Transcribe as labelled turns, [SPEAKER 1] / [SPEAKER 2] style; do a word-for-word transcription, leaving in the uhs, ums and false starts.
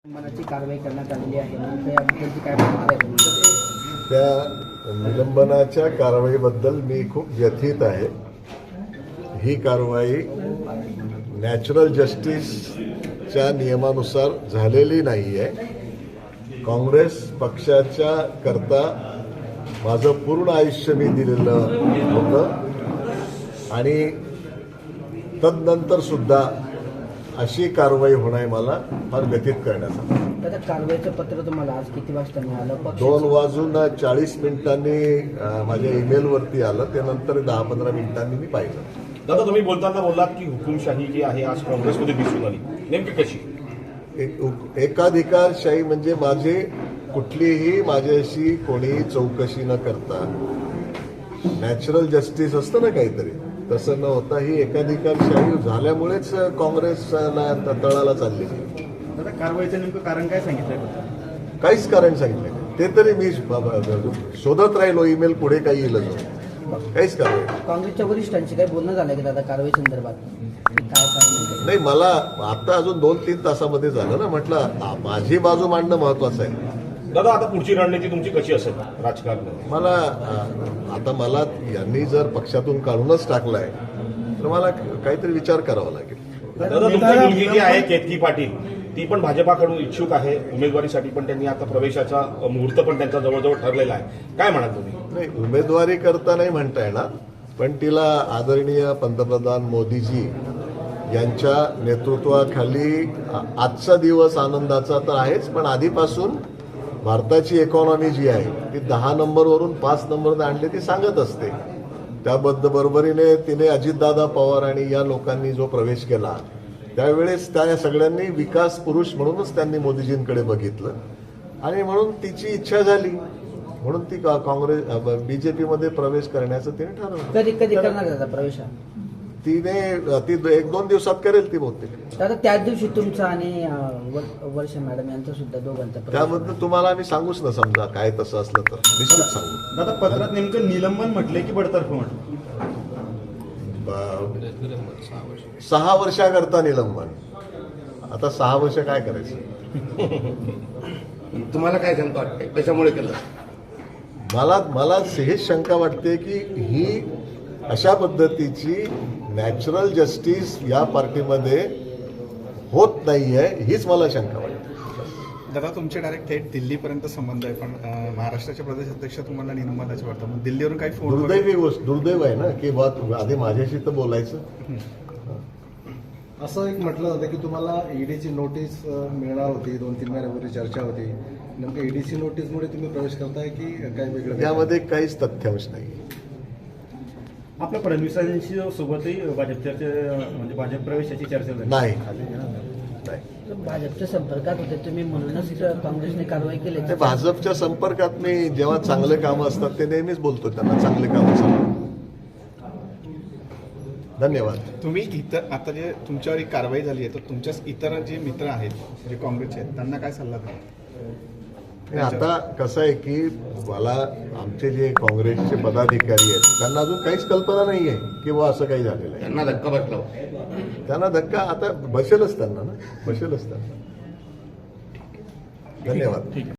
[SPEAKER 1] निलंबनाची कारवाई करण्यात आलेली आहे. त्याबद्दलची काय प्रतिक्रिया आहे?
[SPEAKER 2] त्या निलंबनाच्या कारवाईबद्दल मी खूप व्यथित आहे. ही कारवाई नॅचरल जस्टिसच्या नियमानुसार झालेली नाही आहे. काँग्रेस पक्षाच्या करता माझं पूर्ण आयुष्य मी दिलेलं होतं आणि तदनंतर सुद्धा अशी कारवाई होणार मला फार व्यथित करण्यात आलं.
[SPEAKER 1] आता कारवाईचं पत्र तुम्हाला आज किती वाजता मिळालं?
[SPEAKER 2] दोन वाजून चाळीस मिनिटांनी अं, माझ्या ईमेलवरती आलं. त्यानंतर दहा पंधरा मिनिटांनी मी पाहिलं.
[SPEAKER 3] दादा, तुम्ही बोलताना बोललात की हुकुमशाही जी आहे आज काँग्रेसमध्ये दिसून आली, नेमकी कशी?
[SPEAKER 2] एक- एकाधिकारशाही म्हणजे माझे कुठलीही माझ्याशी कोणीही चौकशी न करता नॅचरल जस्टिस असतं ना काहीतरी, तसं न होता ही एकाधिकारशाही झाल्यामुळेच काँग्रेसला तळाला चालली.
[SPEAKER 4] दादा, कारवाईचं नेमकं कारण काय सांगितलंय?
[SPEAKER 2] काहीच कारण सांगितलं नाही. ते तरी मी शोधत राहिलो. ईमेल पुढे काही येईल काहीच कारण
[SPEAKER 1] काँग्रेसच्या वरिष्ठांशी काही बोलणं झालं की दादा कारवाई संदर्भात काय कारण?
[SPEAKER 2] नाही. मला आता अजून दोन तीन तासामध्ये झालं ना. म्हटलं आ, माझी बाजू मांडणं महत्वाचं आहे.
[SPEAKER 3] दादा, आता पुढची रणनीती तुमची कशी असेल राजकारणात?
[SPEAKER 2] मला आ, आता मला यांनी जर पक्षातून काढूनच टाकलाय तर मला काहीतरी विचार करावा लागेल.
[SPEAKER 3] दादा, तुमची मुलगी जी आहे केतकी पाटील, ती पण भाजपाकडून इच्छुक आहे उमेदवारीसाठी, पण त्यांनी आता प्रवेशाचा मुहूर्त पण त्यांचा जवळजवळ ठरलेला आहे. काय म्हणाल तुम्ही?
[SPEAKER 2] नाही, उमेदवारी करता नाही म्हणता येणार, पण तिला आदरणीय पंतप्रधान मोदीजी यांच्या नेतृत्वाखाली आ- आजचा दिवस आनंदाचा तर आहेच, पण आधीपासून भारताची इकॉनॉमी जी आहे ती दहा नंबरवरून पाच नंबरने आणली ती सांगत असते. त्याबद्दल बरोबरीने तिने अजितदादा पवार आणि या लोकांनी जो प्रवेश केला त्यावेळेस त्या सगळ्यांनी विकास पुरुष म्हणूनच त्यांनी मोदीजींकडे बघितलं आणि म्हणून तिची इच्छा झाली म्हणून ती का- काँग्रेस बीजेपीमध्ये प्रवेश करण्याचं तिने ठरवलं.
[SPEAKER 1] कधी कधी करणार दादा प्रवेश हा?
[SPEAKER 2] तिने ती एक दोन दिवसात करेल ती बहुतेक.
[SPEAKER 1] दादा त्याच दिवशी तुमचा आणि अं, वर- वर्षा मॅडम यांचा सुद्धा दोघांचा प्रवेश.
[SPEAKER 2] त्याबद्दल तुम्हाला आम्ही सांगूच ना. समजा काय तसं असलं तर निश्चित सांगू.
[SPEAKER 4] दादा, पत्रात नेमकं निलंबन म्हटलंय की बडतर्फ म्हटलं?
[SPEAKER 2] ब- सहा वर्षाकरता निलंबन. आता सहा वर्ष काय करायचं?
[SPEAKER 5] तुम्हाला काय शंका वाटते, कशामुळे केलं?
[SPEAKER 2] मला मला हेच शंका वाटते की ही अशा पद्धतीची नॅचरल जस्टिस या पार्टीमध्ये होत नाहीये, हीच मला शंका वाटते.
[SPEAKER 6] दादा, तुमचे डायरेक्ट थेट दिल्लीपर्यंत संबंध आहे, पण अं, महाराष्ट्राचे प्रदेश अध्यक्ष तुम्हाला निलंबनाचे वाटतं, मग दिल्लीवरून काही फोन वगैरे-
[SPEAKER 2] दुर्दैवी गोष्ट दुर्दैव आहे ना की बा तू आधी माझ्याशी तर बोलायचं.
[SPEAKER 7] असं एक म्हटलं जातं की तुम्हाला ईडीची नोटीस अ, मिळणार होती, दोन तीन महिन्यापूर्वी चर्चा होती. नेमकं ईडीची नोटीसमुळे तुम्ही प्रवेश करताय की काय वेगळं?
[SPEAKER 2] यामध्ये काहीच तथ्यांश नाही.
[SPEAKER 4] आपल्या फडणवीसांशी सोबतही भाजपच्या म्हणजे भाजप प्रवेशाची चर्चा झाली.
[SPEAKER 2] नाही नाही.
[SPEAKER 1] भाजपच्या संपर्कात होते तुम्ही म्हणूनच काँग्रेसने कारवाई केली.
[SPEAKER 2] ते भाजपच्या संपर्कात मी जेव्हा चांगले कामं असतात ते नेहमीच बोलतो त्यांना चांगले कामं सांगतो. धन्यवाद.
[SPEAKER 6] तुम्ही इतर आता जे तुमच्यावर एक कारवाई झाली आहे तर तुमच्या इतर जे मित्र आहेत जे काँग्रेसचे आहेत त्यांना काय सल्ला द्याल?
[SPEAKER 2] आणि आता कसं आहे की मला आमचे जे काँग्रेसचे पदाधिकारी आहेत त्यांना अजून काहीच कल्पना नाही आहे की बुवा असं काही झालेलं आहे.
[SPEAKER 5] त्यांना धक्का बसला.
[SPEAKER 2] त्यांना धक्का आता बसेलच त्यांना ना बसेलच त्यांना. धन्यवाद.